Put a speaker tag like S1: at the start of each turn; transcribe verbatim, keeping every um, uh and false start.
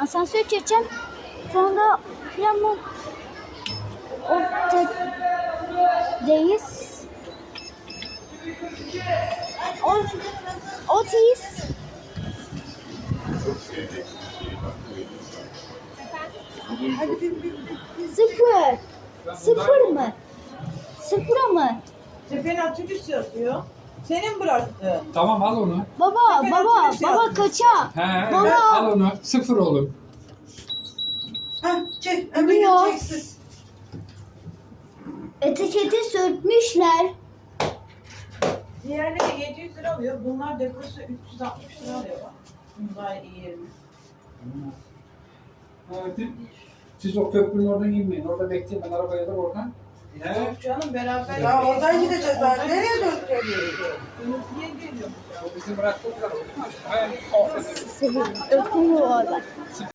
S1: Asansör çekeceğim. Sonra Plamon Orta'dayız. Ot Otis. Sıfır. Sıfır mı? Sıfıra mı?
S2: Seferin otobüs yazıyor. Senin bıraktı.
S3: Tamam al onu.
S1: Baba,
S2: Sefer
S1: baba,
S2: otobüs
S1: baba
S2: yapmış.
S1: kaça?
S3: He,
S1: Baba.
S3: al onu. Sıfır oğlum.
S2: Hah çek.
S1: Biliyoruz. Etiketi sürtmüşler.
S2: Diğerleri yedi yüz lira alıyor. Bunlar deposu üç yüz altmış lira alıyor. Bak. Bunlar iyi yerine.
S3: Evet. Siz o köprünün oradan inmeyin. Orada bekleyin. Ben arabaya da oradan. He.
S2: Yok canım beraber.
S4: Ya oradan gideceğiz zaten. Nereye döneceğiz?
S2: Niye geliyor?
S3: O bizi bıraktılar. He. O.
S1: Öpüyor orada.